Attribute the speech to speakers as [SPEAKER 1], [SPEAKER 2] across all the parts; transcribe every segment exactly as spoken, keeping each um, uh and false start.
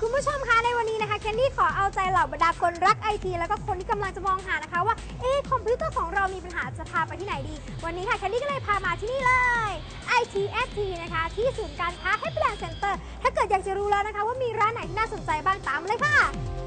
[SPEAKER 1] คุณผู้ชมคะในวันนี้นะคะแคนดี้ขอเอาใจเหล่าบรรดาคนรักไอทีแล้วก็คนที่กำลังจะมองหานะคะว่าเอ๊ะคอมพิวเตอร์ของเรามีปัญหาจะพาไปที่ไหนดีวันนี้ค่ะแคนดี้ก็เลยพามาที่นี่เลย ไอ ที เอส ที นะคะที่ศูนย์การค้า Happyland Center ถ้าเกิดอยากจะรู้แล้วนะคะว่ามีร้านไหนที่น่าสนใจบ้างตามเลยค่ะ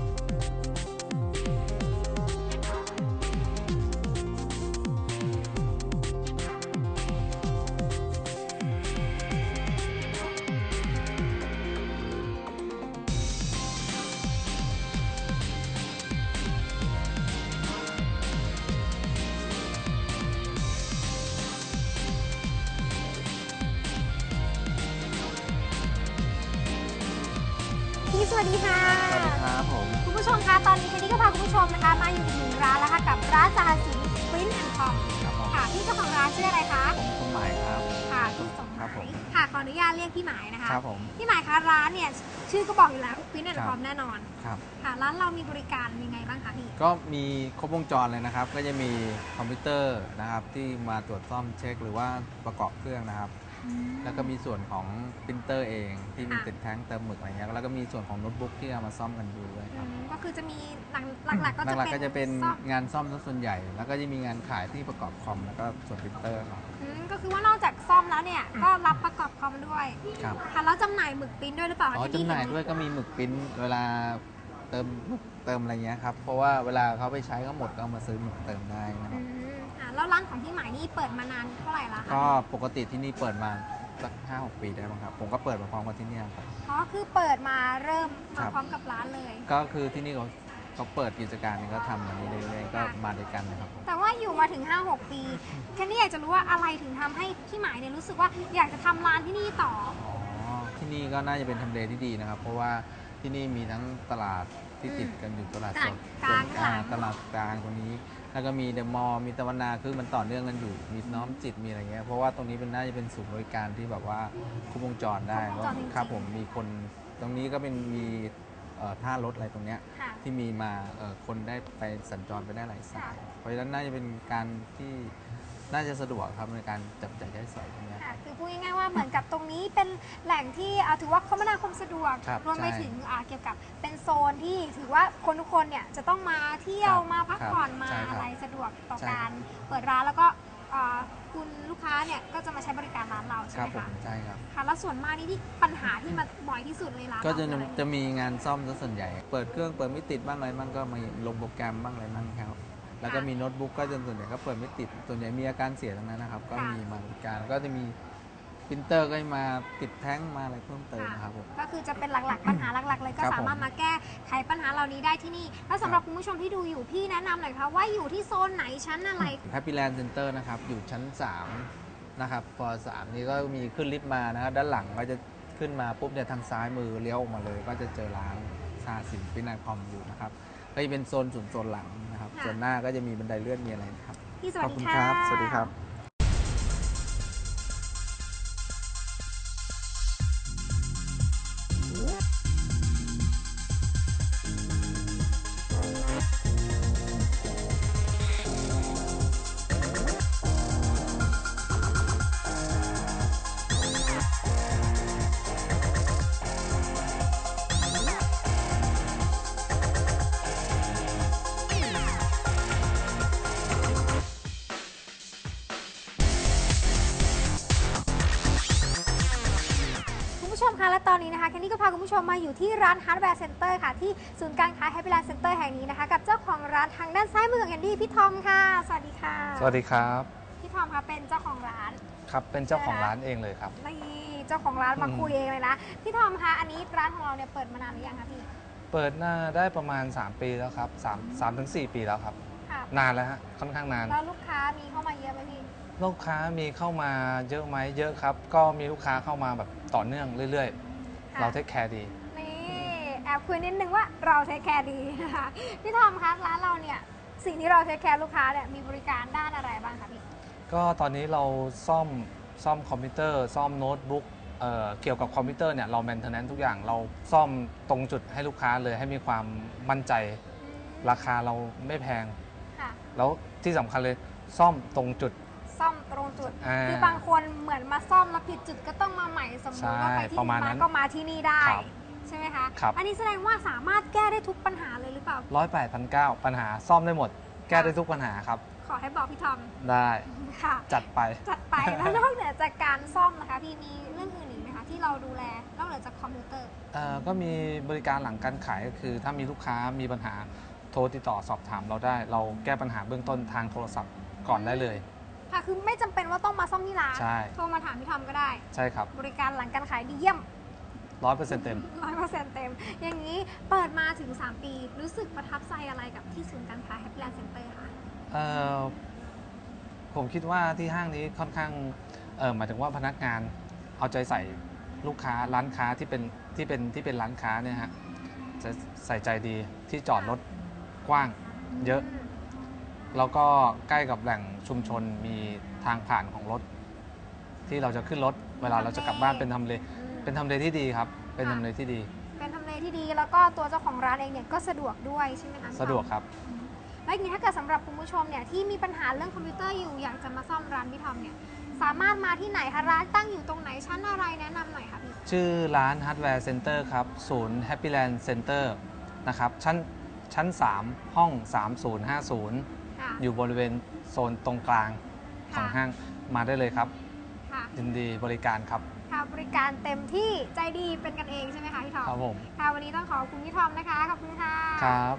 [SPEAKER 1] สวัสดีค่ะ
[SPEAKER 2] สวัสดีครับผม
[SPEAKER 1] คุณผู้ชมคะตอนนี้แคนดี้ก็พาคุณผู้ชมนะคะมาอยู่ที่ร้านแล้วค่ะกับร้านสหสิน Print and Com ค่ะพี่เจ้าของร้านชื่ออะไรคะ
[SPEAKER 2] ผมสมหมายครับ
[SPEAKER 1] ค่ะพี่สมหมายค่ะขออนุญาตเรียกพี่หมายนะคะ
[SPEAKER 2] ครับผม
[SPEAKER 1] พี่หมายคะร้านเนี่ยชื่อก็บอกอยู่แล้ว Print and Com แน่นอน
[SPEAKER 2] ครับ
[SPEAKER 1] ค่ะร้านเรามีบริการยังไงบ้างคะพี่
[SPEAKER 2] ก็มีครบวงจรเลยนะครับก็จะมีคอมพิวเตอร์นะครับที่มาตรวจซ่อมเช็คหรือว่าประกอบเครื่องนะครับแล้วก็มีส่วนของปรินเตอร์เองที่มีติดแท้งเติมหมึกอะไรเงี้ยแล้วก็มีส่วนของโน้ตบุ๊กที่เอามาซ่อมกันดูด้วยครับ
[SPEAKER 1] ก็คือจะมีหลักๆก็จะเป็น
[SPEAKER 2] ก็จะเป็นงานซ่อมส่วนใหญ่แล้วก็จะมีงานขายที่ประกอบคอมแล้วก็ส่วนปรินเตอร์ครับ
[SPEAKER 1] ก็คือว่านอกจากซ่อมแล้วเนี่ยก็รับประกอบคอมด้วย
[SPEAKER 2] ครับ
[SPEAKER 1] ค่ะแล้วจำหน่ายหมึกปริ้นด้วยหรือเปล่า
[SPEAKER 2] อ๋อจำหน่ายด้วยก็มีหมึกปริ้นเวลาเติมเติมอะไรเงี้ยครับเพราะว่าเวลาเขาไปใช้ก็หมดก็มาซื้อหมึกเติมได้นะครับ
[SPEAKER 1] แล้วร้านของพี่หมายนี่เปิดมานานเท่าไหร่ละคะ
[SPEAKER 2] ก็ปกติที่นี่เปิดมาสักห้าหกปีได้บ้างครับผมก็เปิดมาพร้อมกับที่นี่ครับ
[SPEAKER 1] อ๋อคือเปิดมาเริ่มมาพร้อมกับร้านเลย
[SPEAKER 2] ก็คือที่นี่เขาเขาเปิดกิจการนี่ก็ทำอย่างนี้เรื่อยๆก็มาด้วยกันนะครับ
[SPEAKER 1] แต่ว่าอยู่มาถึง ห้าหก ปีแค่นี้อยากจะรู้ว่าอะไรถึงทำให้พี่หมายเนี่ยรู้สึกว่าอยากจะทำร้านที่นี่ต่อ
[SPEAKER 2] อ๋อที่นี่ก็น่าจะเป็นทำเลที่ดีนะครับเพราะว่าที่นี่มีทั้งตลาดที่ติดกันอยู่ตลาดสด
[SPEAKER 1] กลาง
[SPEAKER 2] ตลาดกลางตรงนี้แล้วก็มีเดอะมอลล์มีตะวันนาคือมันต่อเนื่องกันอยู่มีน้อมจิตมีอะไรเงี้ยเพราะว่าตรงนี้เป็นน่าจะเป็นศูนย์บริการที่แบบว่าครบวงจรได้ครับผมมีคนตรงนี้ก็เป็นมีท่ารถอะไรตรงเนี้ยที่มีมาคนได้ไปสัญจรไปได้หลายสายเพราะฉะนั้นน่าจะเป็นการที่น่าจะสะดวกครับในการจับจ่ายใช้สอยตรงนี้
[SPEAKER 1] คือพูดง่ายๆว่าเหมือนกับตรงนี้เป็นแหล่งที่ถือว่าคมนาคมสะดวกรวมไปถึงเกี่ยวกับเป็นโซนที่ถือว่าคนทุกคนเนี่ยจะต้องมาเที่ยวมาพักผ่อนมาอะไรสะดวกต่อการเปิดร้านแล้วก็คุณลูกค้าเนี่ยก็จะมาใช้บริการร้านเราใช่ไหมคะ
[SPEAKER 2] ใช่ครับ
[SPEAKER 1] ค่ะแล้วส่วนมากนี่ที่ปัญหาที่มาบ่อยที่สุดเลยร้าน
[SPEAKER 2] ก็จะจะมีงานซ่อมซะส่วนใหญ่เปิดเครื่องเปิดไม่ติดบ้างอะไรบ้างก็มีลงโปรแกรมบ้างอะไรบ้างครับแล้วก็มีโน้ตบุ๊กก็จนส่วนใหญ่ก็เปิดไม่ติดส่วนใหญ่มีอาการเสียทั้งนั้นนะครับก็มีมาบริการก็จะมีปรินเตอร์ก็มาติดแท้งมาอะไรเพิ่มเติมนะครับผม
[SPEAKER 1] ก็คือจะเป็นหลักๆปัญหาหลักๆเลยก็สามารถมาแก้ไขปัญหาเหล่านี้ได้ที่นี่แล้วสำหรับคุณผู้ชมที่ดูอยู่พี่แนะนำหน่อยค่ะว่าอยู่ที่โซนไหนชั้นอะไร
[SPEAKER 2] Happyland Center นะครับอยู่ชั้นสามนะครับพอสามนี้ก็มีขึ้นลิฟต์มานะครับด้านหลังก็จะขึ้นมาปุ๊บเนี่ยทางซ้ายมือเลี้ยวออกมาเลยก็จะเจอร้านซาสินพินัยคอมอยู่นะครับก็จะเป็นโซนส่วนโซนหลังนะครับส่วนหน้าก็จะมีบันไดเลื่อนมีอะไรครับ
[SPEAKER 1] พี่สวัสดี
[SPEAKER 2] ค่ะสวัสดีครับ
[SPEAKER 1] ผู้ชมคะและตอนนี้นะคะแคนดี้ก็พาคุณผู้ชมมาอยู่ที่ร้าน Hardware Center ค่ะที่ศูนย์การค้า Happyland Center แห่งนี้นะคะกับเจ้าของร้านทางด้านซ้ายมือของแคนดี้พี่ทอมค่ะสวัสดีค่ะ
[SPEAKER 3] สวัสดีครับ
[SPEAKER 1] พี่ทอมคะเป็นเจ้าของร้าน
[SPEAKER 3] ครับเป็นเจ้าของร้านเองเลยครับ
[SPEAKER 1] นี่เจ้าของร้านมาคุยเองเลยนะพี่ทอมคะอันนี้ร้านของเราเนี่ยเปิดมานานหรือยังคะพี่
[SPEAKER 3] เปิดน่าได้ประมาณสามปีแล้วครับสาม สามถึงสี่ปีแล้วครับนานแล้วฮะค่อนข้างนาน
[SPEAKER 1] แล้วลูกค้ามีเข้ามาเยอะไหมพี่
[SPEAKER 3] ลูกค้ามีเข้ามาเยอะไหมเยอะครับก็มีลูกค้าเข้ามาแบบต่อเนื่องเรื่อยๆเราเทคแคร์ดี
[SPEAKER 1] นี่แอบคุยนิดนึงว่าเราเทคแคร์ดีนะคะพี่ทอมคะร้านเราเนี่ยสิ่งที่เราเทคแคร์ลูกค้าเนี่ยมีบริการด้านอะไรบ้างคะพี่
[SPEAKER 3] ก็ตอนนี้เราซ่อมซ่อมคอมพิวเตอร์ซ่อมโน้ตบุ๊ก เ, เกี่ยวกับคอมพิวเตอร์เนี่ยเราแมนเทนแนนซ์ทุกอย่างเราซ่อมตรงจุดให้ลูกค้าเลยให้มีความมั่นใจราคาเราไม่แพงแล้วที่สำคัญเลยซ่อมตรงจุด
[SPEAKER 1] ซ่อมตรงจุดคือบางคนเหมือนมาซ่อมแล้วผิดจุดก็ต้องมาใหม่สมมติว่าไปที่นี่มาก็มาที่นี่ได้ใช่ไหมคะ
[SPEAKER 3] ครับ
[SPEAKER 1] อันนี้แสดงว่าสามารถแก้ได้ทุกปัญหาเลยหรือเปล่า
[SPEAKER 3] ร้อยแปดพันเก้าปัญหาซ่อมได้หมด แก้ได้ทุกปัญหาครับ
[SPEAKER 1] ขอให้บอกพี่ทอม
[SPEAKER 3] ได้
[SPEAKER 1] ค่ะ
[SPEAKER 3] จัดไป
[SPEAKER 1] จัดไป แล้วนอกเหนือจากการซ่อมนะคะพี่มีเรื่องอื่นอีกไหมคะที่เราดูแลนอกเหนือจากคอมพิวเตอร์
[SPEAKER 3] เอ่อก็มีบริการหลังการขายก็คือ ถ้ามีลูกค้ามีปัญหาโทรติดต่อสอบถามเราได้ เราแก้ปัญหาเบื้องต้นทางโทรศัพท์ก่อนได้เลย
[SPEAKER 1] ค่ะคือไม่จำเป็นว่าต้องมาซ่อมที่ร้าน
[SPEAKER 3] ใช่
[SPEAKER 1] โทรมาถามพี่ทอมก็ได้
[SPEAKER 3] ใช่ครับ
[SPEAKER 1] บริการหลังการขายดีเยี่ยม
[SPEAKER 3] ร้อยเปอร์เซ็นต์เต็ม
[SPEAKER 1] ร้อยเปอร์เซ็นต์เต็ม อย่างนี้เปิดมาถึง สาม ปี รู้สึกประทับใจอะไรกับที่ศูนย์การค้า Happyland Center คะ
[SPEAKER 3] เอ่อผมคิดว่าที่ห้างนี้ค่อนข้างเอ่อหมายถึงว่าพนักงานเอาใจใส่ลูกค้าร้านค้าที่เป็นที่เป็นที่เป็นร้านค้าเนี่ยฮะจะใส่ใจดีที่จอดรถกว้างเยอะ แล้วก็ใกล้กับแหล่งชุมชนมีทางผ่านของรถ ที่เราจะขึ้นรถเวลาเราจะกลับบ้านเป็นทำเลเป็นทำเลที่ดีครับ เป็นทำเลที่ดี
[SPEAKER 1] เป็นทำเลที่ดีแล้วก็ตัวเจ้าของร้านเองเนี่ยก็สะดวกด้วยใช่ไหมคะพี่ทอม
[SPEAKER 3] สะดวกครับ
[SPEAKER 1] แล้วอย่างนี้ถ้าเกิดสำหรับคุณผู้ชมเนี่ยที่มีปัญหาเรื่องคอมพิวเตอร์อยู่อยากจะมาซ่อมร้านพี่ทอมเนี่ยสามารถมาที่ไหนคะร้านตั้งอยู่ตรงไหนชั้นอะไรแนะนำหน่อยค่ะพี่
[SPEAKER 3] ชื่อร้าน Hardware Center ครับ ศูนย์ Happyland Center นะครับ ชั้นชั้น สาม ห้อง สามศูนย์ห้าศูนย์
[SPEAKER 1] ค่ะ
[SPEAKER 3] อยู่บริเวณโซนตรงกลางของ
[SPEAKER 1] ค่ะ
[SPEAKER 3] ห้างมาได้เลยครับ
[SPEAKER 1] ค่ะ
[SPEAKER 3] ยินดีบริการครับ
[SPEAKER 1] ค่ะบริการเต็มที่ใจดีเป็นกันเองใช่ไหมคะพี่ทอม
[SPEAKER 3] ครับผม
[SPEAKER 1] ค่ะวันนี้ต้องขอบคุณพี่ทอมนะคะขอบคุณค่ะ
[SPEAKER 3] ครับ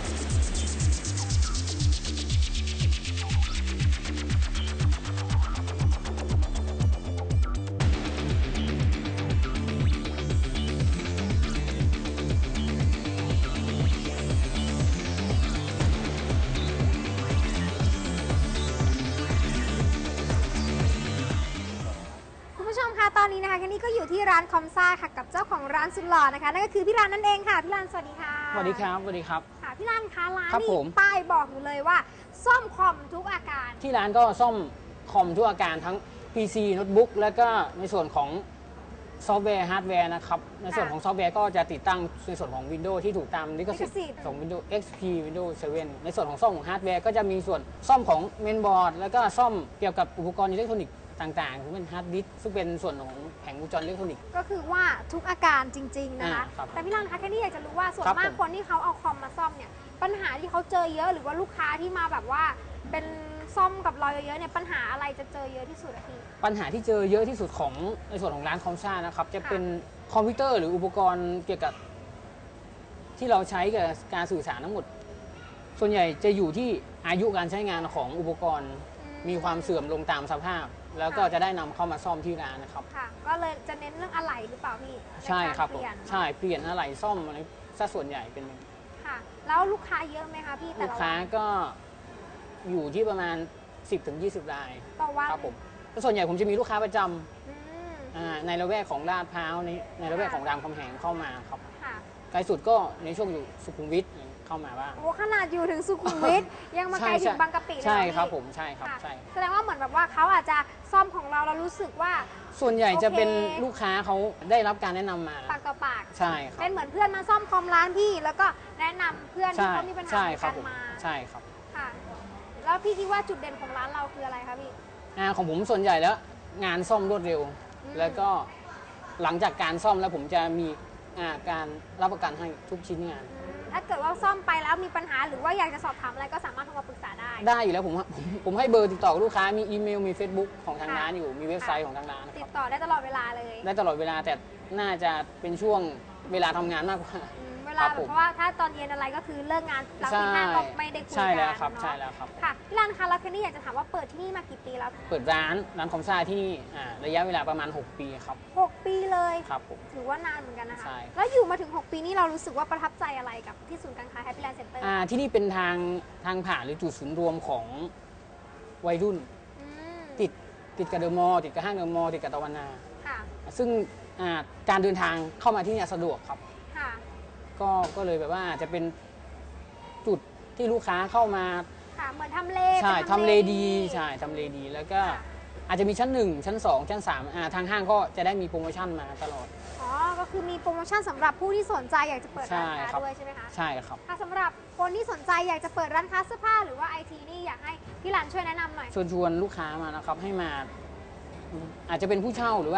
[SPEAKER 1] คุณผู้ชมคะตอนนี้นะคะแคนนี่ก็อยู่ที่ร้านคอมซ่าค่ะกับเจ้าของร้านสุดหล่อนะคะนั่นก็คือพี่รันนั่นเองค่ะพี่รันสวัสดีค่ะ
[SPEAKER 4] สวัสดีครับ สวัสดีครับ
[SPEAKER 1] ค่ะพี่รันคะร้าน
[SPEAKER 4] ครับ
[SPEAKER 1] นี่
[SPEAKER 4] ผม
[SPEAKER 1] ป้ายบอกอยู่เลยว่า ซ่อมคอมทุกอาการ
[SPEAKER 4] ที่ร้านก็ซ่อมคอมทุกอาการทั้ง พี ซี โน้ตบุ๊กแล้วก็ในส่วนของซอฟต์แวร์ฮาร์ดแวร์นะครับ ในส่วนของซอฟต์แวร์ก็จะติดตั้งในส่วนของ Windows ที่ถูกตามลิขสิทธิ์ของ Windows เอ็กซ์ พี Windows เซเว่น ในส่วนของซ่อมของฮาร์ดแวร์ก็จะมีส่วนซ่อมของเมนบอร์ดแล้วก็ซ่อมเกี่ยวกับอุปกรณ์อิเล็กทรอนิกส์ต่างๆซึ่งเป็นฮาร์ดดิสก์ซึ่งเป็นส่วนของแผงวงจรอิเล็กทรอนิกส์
[SPEAKER 1] ก็คือว่าทุกอาการจริง ๆ นะคะ
[SPEAKER 4] อ่าครับ
[SPEAKER 1] แต่พี่รันคะแค่นี้อยากจะรู้ว่าส่วน
[SPEAKER 4] ครับ
[SPEAKER 1] มาก
[SPEAKER 4] ผม
[SPEAKER 1] คนที่เขาเอาคอมมาซ่อมเนี่ยปัญหาที่เขาเจอเยอะหรือว่าลูกค้าที่มาแบบว่าเป็นซ่อมกับเราเยอะๆเนี่ยปัญหาอะไรจะเจอเยอะที่สุดอะพี่
[SPEAKER 4] ปัญหาที่เจอเยอะที่สุดของในส่วนของร้านคอมซ่านะครับจะเป็นคอมพิวเตอร์หรืออุปกรณ์เกี่ยวกับที่เราใช้กับการสื่อสารทั้งหมด ส่วนใหญ่จะอยู่ที่อายุการใช้งานของอุปกรณ์ มีความเสื่อมลงตามสภาพ แล้วก็จะได้นำเข้ามาซ่อมที่ร้านนะครับ
[SPEAKER 1] ค่ะ ก็เลยจะเน้นเรื่องอะไหล่หรือเปล่าพี่
[SPEAKER 4] ใช่ครับ
[SPEAKER 1] นกาเปลี่ยน
[SPEAKER 4] ใช่เปลี่ยนอะไรซ่อมอะไรซะส่วนใหญ่เป็น
[SPEAKER 1] ค่ะ แล้วลูกค้าเยอะไหมคะพี่แต่
[SPEAKER 4] ลูก
[SPEAKER 1] ละ
[SPEAKER 4] ค้า
[SPEAKER 1] วัน
[SPEAKER 4] ก็อยู่ที่ประมาณ สิบถึงยี่สิบ ราย
[SPEAKER 1] ต่อวัน
[SPEAKER 4] ครับผมแล้วส่วนใหญ่ผมจะมีลูกค้าประจำ
[SPEAKER 1] อืม
[SPEAKER 4] อ่าในละแวกของลาดพร้าวในในละแวกของรามคำแหงเข้ามาครับ
[SPEAKER 1] ค่ะ
[SPEAKER 4] ไกลสุดก็ในช่วงอยู่สุขุมวิทเข้ามาบ้าง
[SPEAKER 1] โอ้ขนาดอยู่ถึงสุขุมวิท ยังมาไกล
[SPEAKER 4] ใช่
[SPEAKER 1] ถึงบางกะปิเลย
[SPEAKER 4] ใช่
[SPEAKER 1] เหอ
[SPEAKER 4] ครับ
[SPEAKER 1] พี่
[SPEAKER 4] ผมใช่ครับ
[SPEAKER 1] ค่ะ
[SPEAKER 4] ใช่
[SPEAKER 1] แสดงว่าเหมือนแบบว่าเขาอาจจะซ่อมของเราเรารู้สึกว่า
[SPEAKER 4] ส่วนใหญ่จะเป็น
[SPEAKER 1] โอเค
[SPEAKER 4] ลูกค้าเขาได้รับการแนะนำมา
[SPEAKER 1] ปากต่อปาก
[SPEAKER 4] ใช่ครับ
[SPEAKER 1] เป็นเหมือนเพื่อนมาซ่อมคอมร้านพี่ แล้วก็แนะนำเพื่อนที่
[SPEAKER 4] ใช่
[SPEAKER 1] เขามีปัญหา
[SPEAKER 4] ใช่
[SPEAKER 1] เหมือน
[SPEAKER 4] ครั
[SPEAKER 1] กับ น
[SPEAKER 4] ผม
[SPEAKER 1] มา
[SPEAKER 4] ใช่ครับ
[SPEAKER 1] ค่ะ แล้วพี่คิดว่าจุดเด่นของร้านเราคืออะไรคะพี่
[SPEAKER 4] อ่าของผมส่วนใหญ่แล้วงานซ่อมรวดเร็ว
[SPEAKER 1] อืม
[SPEAKER 4] แล้วก็หลังจากการซ่อมแล้วผมจะมีอ่าการรับประกันให้ทุกชิ้นงาน
[SPEAKER 1] ถ้าเกิดว่าซ่อมไปแล้วมีปัญหาหรือว่าอยากจะสอบถามอะไรก็สามารถโทรมาปรึกษาได้
[SPEAKER 4] ได้อยู่แล้วผมผมผมให้เบอร์ติดต่อกับลูกค้ามีอีเมลมี Facebook ของทาง
[SPEAKER 1] ค่ะ
[SPEAKER 4] ร้านอยู่มีเว็บไซต์ของทางร้านนะ
[SPEAKER 1] ติ
[SPEAKER 4] ค
[SPEAKER 1] ด
[SPEAKER 4] รับ
[SPEAKER 1] ต่อได้ตลอดเวลาเลย
[SPEAKER 4] ได้ตลอดเวลาแต่น่าจะเป็นช่วงเวลาทำงานมากกว่า
[SPEAKER 1] อืมเวลา
[SPEAKER 4] ครับ
[SPEAKER 1] แบบ
[SPEAKER 4] ผม
[SPEAKER 1] เพราะว่าถ้าตอนเย็นอะไรก็คือเลิกงานหลังตีห้าก็ไม่ได้คุยกัน
[SPEAKER 4] ใช่แล้วครับ
[SPEAKER 1] เนาะ
[SPEAKER 4] ใช่แล้วครับ
[SPEAKER 1] ค่ะพี่รันคะแล้วคืนนี้อยากจะถามว่าเปิดที่นี่มากี่ปีแล้ว
[SPEAKER 4] เปิดร้านร้านคอมซ่าที่นี่อ่าระยะเวลาประมาณ หก ปีครับ
[SPEAKER 1] หกปีเลย
[SPEAKER 4] ครับผม
[SPEAKER 1] ถือว่านานเหมือนกันนะคะ
[SPEAKER 4] ใช่
[SPEAKER 1] แล้วอยู่มาถึง หก ปีนี้เรารู้สึกว่าประทับใจอะไรกับที่ศูนย์การค้า Happyland Center
[SPEAKER 4] อ่าที่นี่เป็นทางทางผ่านหรือจุดศูนย์รวมของวัยรุ่น
[SPEAKER 1] อืม
[SPEAKER 4] ติดติดกับเดอะมอลล์ติดกับห้างเดอะมอลล์ติดกับตะวันนา
[SPEAKER 1] ค่ะ
[SPEAKER 4] ซึ่งอ่าการเดินทางเข้ามาที่เนี่ยสะดวกครับ
[SPEAKER 1] ค่ะ
[SPEAKER 4] ก็ก็เลยแบบว่าจะเป็นจุดที่ลูกค้าเข้ามา
[SPEAKER 1] ค่ะเหมือนทำเล
[SPEAKER 4] ใช่
[SPEAKER 1] เป็น
[SPEAKER 4] ทำเลดีใช่ทำเลดีแล้วก็
[SPEAKER 1] ค่ะ
[SPEAKER 4] อาจจะมีชั้นหนึ่งชั้นสองชั้นสามอ่าทางห้างก็จะได้มีโปรโมชั่นมาตลอด
[SPEAKER 1] อ๋อ ก็คือมีโปรโมชั่นสำหรับผู้ที่สนใจอยากจะเปิดร้าน
[SPEAKER 4] ใช่
[SPEAKER 1] ค้า
[SPEAKER 4] ครับ
[SPEAKER 1] ด้วยใช่ไหมคะ
[SPEAKER 4] ใช่ครับ
[SPEAKER 1] ค่ะสำหรับคนที่สนใจอยากจะเปิดร้านค้าเสื้อผ้าหรือว่าไอทีนี่อยากให้พี่รันช่วยแนะนำหน่อย
[SPEAKER 4] ชวนชวนลูกค้ามานะครับให้มาอาจจะเป็นผู้เช่าหรือว่า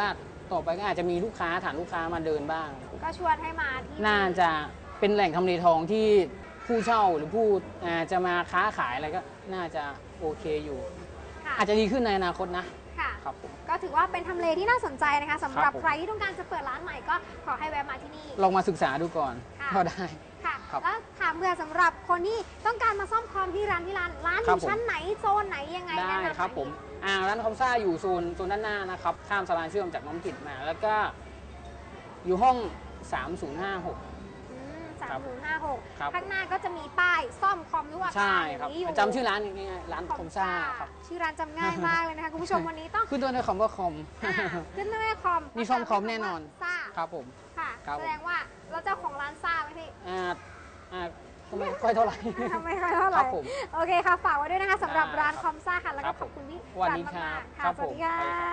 [SPEAKER 4] ต่อไปก็อาจจะมีลูกค้าฐานลูกค้ามาเดินบ้าง
[SPEAKER 1] ก็ชวนให้มาที่
[SPEAKER 4] น่าจะเป็นแหล่งทำเลทองที่ผู้เช่าหรือผู้อ่าจะมาค้าขายอะไรก็น่าจะโอเคอยู่
[SPEAKER 1] ค่ะ
[SPEAKER 4] อาจจะดีขึ้นในอนาคตนะ
[SPEAKER 1] ค่ะ
[SPEAKER 4] ครับผม
[SPEAKER 1] ก็ถือว่าเป็นทำเลที่น่าสนใจนะคะสำหรับ
[SPEAKER 4] ครับผม
[SPEAKER 1] ใครที่ต้องการจะเปิดร้านใหม่ก็ขอให้แวะมาที่นี่
[SPEAKER 4] ลองมาศึกษาดูก่อน
[SPEAKER 1] ค่ะ
[SPEAKER 4] ก็ได้
[SPEAKER 1] ค่ะ
[SPEAKER 4] ครับ
[SPEAKER 1] แล้วถามเพื่อสำหรับคนที่ต้องการมาซ่อมคอมที่ร้านที่ร้านร้านอ
[SPEAKER 4] ครับ
[SPEAKER 1] ยู่
[SPEAKER 4] ผม
[SPEAKER 1] ชั้นไหนโซนไหนยังไง
[SPEAKER 4] ได้
[SPEAKER 1] แนะนำหน่อย
[SPEAKER 4] ครับผมอ่าร้านคอมซ่าอยู่โซนโซนด้านหน้านะครับข้ามสะพานเชื่อมจากน้อมจิตมา แล้วก็อยู่ห้อง สามศูนย์ห้าหก
[SPEAKER 1] สามศูนย์ห้าหก
[SPEAKER 4] ครับ
[SPEAKER 1] ข้างหน้าก็จะมีป้ายซ่อมคอมทุกอา
[SPEAKER 4] ใช่
[SPEAKER 1] คารอ
[SPEAKER 4] ครับ
[SPEAKER 1] ย่างนี้อยู่
[SPEAKER 4] จำชื่อร้านง่ายๆร้านคอมซ่าครับ
[SPEAKER 1] ชื่อร้านจำง่ายมากเลยนะคะคุณผู้ชมวันนี้ต้อง
[SPEAKER 4] ขึ้นต้นด้วยคำว่าคอม
[SPEAKER 1] อ่าขึ้นด้วยคอม
[SPEAKER 4] นี่ซ่อมคอมแน่นอน
[SPEAKER 1] ซ่า
[SPEAKER 4] ครับผม
[SPEAKER 1] ค่ะ
[SPEAKER 4] ครับ
[SPEAKER 1] แสดงว่าเราเจ้าของร้านซ่าไหมพี่
[SPEAKER 4] อ่าอ่าก็ไม่ค่อยเท่าไหร่
[SPEAKER 1] ทำไมค่อยเท่าไห
[SPEAKER 4] ครั
[SPEAKER 1] ร่
[SPEAKER 4] บผม
[SPEAKER 1] โอเคค่ะฝากไว้ด้วยนะคะสำหรับ
[SPEAKER 4] อ่า
[SPEAKER 1] ร้านคอมซ่าค่ะแล้ว
[SPEAKER 4] ครั
[SPEAKER 1] ก็
[SPEAKER 4] บ
[SPEAKER 1] ขอบคุณพี่
[SPEAKER 4] สวัสดี
[SPEAKER 1] จัน
[SPEAKER 4] ครับ
[SPEAKER 1] มากๆค่ะ
[SPEAKER 4] ครับ
[SPEAKER 1] สวัสดี
[SPEAKER 4] ผม
[SPEAKER 1] ค่ะ
[SPEAKER 4] สวัสดีครับ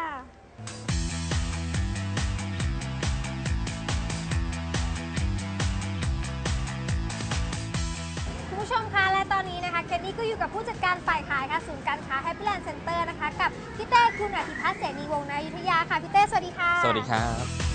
[SPEAKER 1] คุณผู้ชมคะและตอนนี้นะคะเคนนี่ก็อยู่กับผู้จัดการฝ่ายขายค่ะศูนย์การค้า Happyland Center นะคะกับพี่เต้คุณอธิพัฒน์เสนีวงศ์ในอยุธยาค่ะพี่เต้สวัสดีค่ะ
[SPEAKER 5] สวัสดีครับ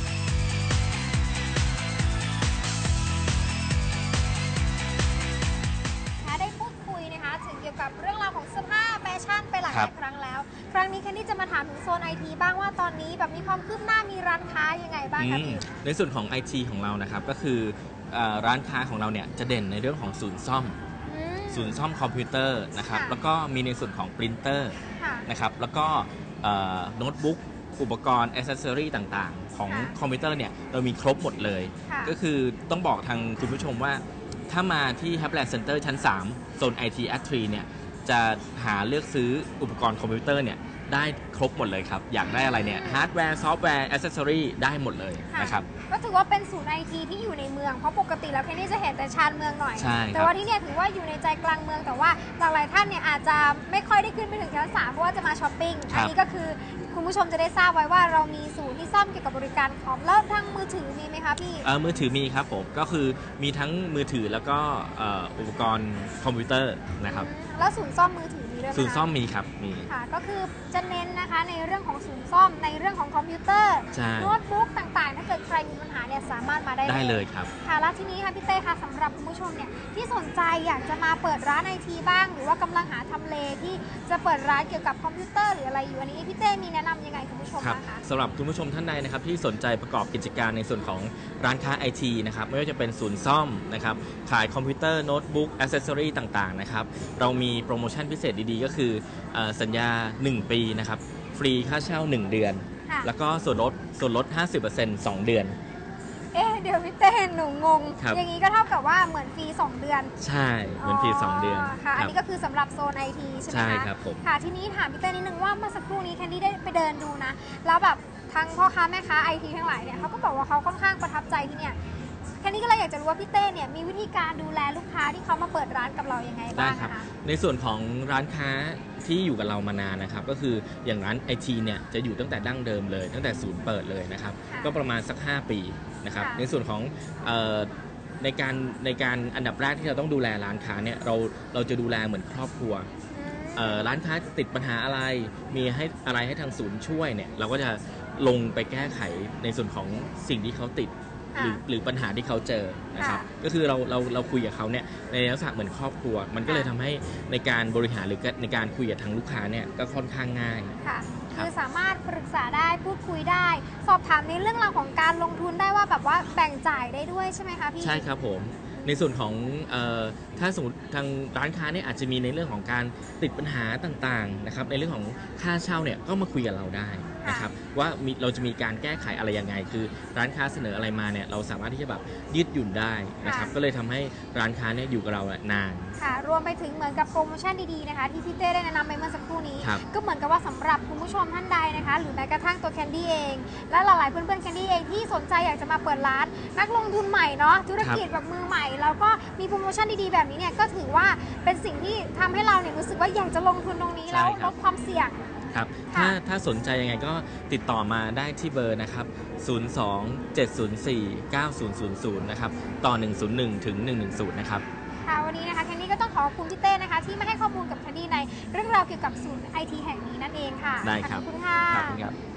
[SPEAKER 1] ค่ะได้พูดคุยนะคะถึงเกี่ยวกับเรื่องราวของเสื้อผ้าแฟชั่นไปหลาย
[SPEAKER 5] ครั
[SPEAKER 1] ห
[SPEAKER 5] บ
[SPEAKER 1] ลายครั้งแล้ว ครั้งนี้เคนนี่จะมาถามถึงโซนไอทีบ้างว่าตอนนี้แบบมีความคืบหน้ามีร้านค้ายังไงบ้าง
[SPEAKER 5] อื
[SPEAKER 1] คะ
[SPEAKER 5] ม
[SPEAKER 1] พี่
[SPEAKER 5] ในส่วนของ ไอ ที ของเรานะครับก็คือเอ่อร้านค้าของเราเนี่ยจะเด่นในเรื่องของศูนย์ซ่อม
[SPEAKER 1] อืม
[SPEAKER 5] ศูนย์ซ่อมคอมพิวเตอร์นะครับ
[SPEAKER 1] ค่ะ
[SPEAKER 5] แล้วก็มีในส่วนของปรินเตอร์
[SPEAKER 1] ค่ะ
[SPEAKER 5] นะครับแล้วก็เอ่อโน้ตบุ๊กอุปกรณ์อ c เซสซอรีต่างๆ ของ
[SPEAKER 1] ค่ะ
[SPEAKER 5] คอมพิวเตอร์เนี่ยเรามีครบหมดเลย
[SPEAKER 1] ค่ะ
[SPEAKER 5] ก็คือต้องบอกทางคุณผู้ชมว่าถ้ามาที่ Happyland Center ชั้น สาม โซน ไอ ที At ทรี เนี่ยจะหาเลือกซื้ออุปกรณ์คอมพิวเตอร์เนี่ยได้ครบหมดเลยครับ อยากได้อะไรเนี่ยฮาร์ดแวร์ซอฟต์แวร์อ c เซสซอรีได้หมดเลย
[SPEAKER 1] ค่ะ
[SPEAKER 5] นะครับ
[SPEAKER 1] ก็ถือว่าเป็นศูนย์ไอทีที่อยู่ในเมืองเพราะปกติแล้วเคนนี่จะเห็นแต่ชานเมืองหน่อย
[SPEAKER 5] ใช่ครับ
[SPEAKER 1] แต่ว่าที่เนี่ยถือว่าอยู่ในใจกลางเมืองแต่ว่าหลากหลายท่านเนี่ยอาจจะไม่ค่อยได้ขึ้นไปถึงชั้นสามเพราะว่าจะมาช้อปปิ้ง
[SPEAKER 5] ครั
[SPEAKER 1] อั
[SPEAKER 5] บ
[SPEAKER 1] นี้ก็คือคุณผู้ชมจะได้ทราบไว้ว่าเรามีศูนย์ที่ซ่อมเกี่ยวกับบริการคอมแล้วทางมือถือมีไหมคะพี่
[SPEAKER 5] เอ่อมือถือมีครับผมก็คือมีทั้งมือถือแล้วก็เอ่ออุปกรณ์คอมพิวเตอร์นะครับ
[SPEAKER 1] แล้วศูนย์ซ่อมมือถือมีด้วยไหมคะ
[SPEAKER 5] ศูนย์ซ่อมมีครับมี
[SPEAKER 1] ค่ะ ก็คือจะเน้นนะคะในเรื่องของศูนย์ซ่อมในเรื่องของคอมพิวเตอร์
[SPEAKER 5] ใช่
[SPEAKER 1] โน้ตบุ๊กต่างๆ ถ้าเกิดใครมีปัญหาเนี่ยสามารถมาได้
[SPEAKER 5] ได้เลยครับ
[SPEAKER 1] ค่ะแล้วทีนี้ค่ะพี่เต้ค่ะสำหรับคุณผู้ชมเนี่ยที่สนใจอยากจะมาเปิดร้านไอทีบ้าง หรือว่ากำลังหาทำเลที่จะเปิดร้านเกี่ยวกับคอมพิวเตอร์หรืออะไรอยู่อันนี้พี่เต้มีแนะนำยังไงคุณผู้ชม
[SPEAKER 5] ครับ
[SPEAKER 1] บ้างคะ
[SPEAKER 5] สำหรับคุณผู้ชมท่านใดนะครับที่สนใจประกอบกิจการในส่วนของร้านค้า ไอ ที นะครับไม่ว่าจะเป็นศูนย์ซ่อมนะครับขายคอมพิวเตอร์โน้ตบุ๊กอ c เซสซอรีต่างๆนะครับเรามีโปรโมชั่นพิเศษดีๆ ก็คือเอ่อสัญญา หนึ่ง ปีนะครับฟรีค่าเช่า หนึ่ง เดือน
[SPEAKER 1] ค่ะ
[SPEAKER 5] แล้วก็ส่วนลดส่วนลด ห้าสิบเปอร์เซ็นต์ สอง เดือน
[SPEAKER 1] เอ๊ะเดี๋ยวพี่เต้หนูงง
[SPEAKER 5] ครับ
[SPEAKER 1] อย่างนี้ก็เท่ากับว่าเหมือนฟรีสองเดือน
[SPEAKER 5] ใช่เหมือนฟรีสองเดือน
[SPEAKER 1] ค่ะอัน
[SPEAKER 5] ครับ
[SPEAKER 1] นี้ก็คือสำหรับโซนไอทีใช่ไหม
[SPEAKER 5] ใช่
[SPEAKER 1] คะ
[SPEAKER 5] ครับผม
[SPEAKER 1] ค่ะทีนี้ถามพี่เต้นิดนึงว่าเมื่อสักครู่นี้แคนดี้ได้ไปเดินดูนะแล้วแบบทั้งพ่อค้าแม่ค้าไอทีทั้งหลายเนี่ยเขาก็บอกว่าเขาค่อนข้างประทับใจที่เนี่ยแคนดี้ก็เลยอยากจะรู้ว่าพี่เต้เนี่ยมีวิธีการดูแลลูกค้าที่เขามาเปิดร้านกับเรายังไง
[SPEAKER 5] ได้
[SPEAKER 1] บ้าง
[SPEAKER 5] ครับ
[SPEAKER 1] นะคะ
[SPEAKER 5] ในส่วนของร้านค้าที่อยู่กับเรามานานนะครับ ก็คืออย่างร้าน ไอ ที เนี่ยจะอยู่ตั้งแต่ดั้งเดิมเลย ตั้งแต่ศูนย์เปิดเลยนะครับ
[SPEAKER 1] ค่ะ
[SPEAKER 5] ก็ประมาณสัก ห้า ปีนะครับ
[SPEAKER 1] ค่ะ
[SPEAKER 5] ในส่วนของเอ่อในการในการอันดับแรกที่เราต้องดูแลร้านค้าเนี่ยเราเราจะดูแลเหมือนครอบครัว
[SPEAKER 1] อืม
[SPEAKER 5] เอ่อร้านค้าติดปัญหาอะไรมีให้อะไรให้ทางศูนย์ช่วยเนี่ยเราก็จะลงไปแก้ไขในส่วนของสิ่งที่เขาติด หรือหรือปัญหาที่เขาเจอนะครับ
[SPEAKER 1] ค่ะ
[SPEAKER 5] ก็คือเราเราเราคุยกับเขาเนี่ยในลักษณะเหมือนครอบครัว มันก็เลย
[SPEAKER 1] ค่ะ
[SPEAKER 5] ทำให้ในการบริหารหรือในการคุยกับทางลูกค้าเนี่ยก็ค่อนข้างง่าย
[SPEAKER 1] ค่ะ
[SPEAKER 5] ครับ
[SPEAKER 1] คือสามารถปรึกษาได้พูดคุยได้ สอบถามในเรื่องราวของการลงทุนได้ว่าแบบว่าแบ่งจ่ายได้ด้วยใช่ไหมคะพี่
[SPEAKER 5] ใช่ครับผมในส่วนของเออถ้าสมมติทางร้านค้าเนี่ยอาจจะมีในเรื่องของการติดปัญหาต่างๆนะครับในเรื่องของค่าเช่าเนี่ยก็มาคุยกับเราได้นะครับว่ามีเราจะมีการแก้ไขอะไรยังไง คือร้านค้าเสนออะไรมาเนี่ยเราสามารถที่จะแบบยืดหยุ่นได้นะครับก็เลยทำให้ร้านค้าเนี่ยอยู่กับเรานาน
[SPEAKER 1] ค่ะรวมไปถึงเหมือนกับโปรโมชั่นดีๆนะคะที่พี่เต้ได้แนะนำไปเมื่อสักครู่นี้
[SPEAKER 5] ครับ
[SPEAKER 1] ก็เหมือนกับว่าสำหรับคุณผู้ชมท่านใดนะคะ หรือแม้กระทั่งตัวแคนดี้เอง และหลายๆเพื่อนๆแคนดี้เองที่สนใจอยากจะมาเปิดร้าน นักลงทุนใหม่เนาะธุรกิจแบบมือใหม่แล้วก็มีโปรโมชั่นดีๆแบบนี้เนี่ยก็ถือว่าเป็นสิ่งที่ทำให้เราเนี่ยรู้สึกว่าอยากจะลงทุนตรงนี้แล้ว
[SPEAKER 5] ใช่ค
[SPEAKER 1] ล
[SPEAKER 5] รับ
[SPEAKER 1] ดความเสี่ยง
[SPEAKER 5] ครับ
[SPEAKER 1] ค่ะ
[SPEAKER 5] ถ้าถ้าสนใจยังไงก็ติดต่อมาได้ที่เบอร์นะครับ ศูนย์ สอง เจ็ด ศูนย์ สี่ เก้า ศูนย์ ศูนย์ ศูนย์ นะครับ ต่อ หนึ่ง ศูนย์ หนึ่ง ถึง หนึ่ง หนึ่ง ศูนย์ นะครับ
[SPEAKER 1] ค่ะวันนี้นะคะแคนดี้ก็ต้องขอบคุณพี่เต้นะคะที่มาให้ข้อมูลกับแคนดี้ในเรื่องราวเกี่ยวกับศูนย์ไอทีแห่งนี้นั่นเองค่ะ
[SPEAKER 5] ได้ครับ
[SPEAKER 1] ขอบคุณค่ะ
[SPEAKER 5] ขอบคุณครับ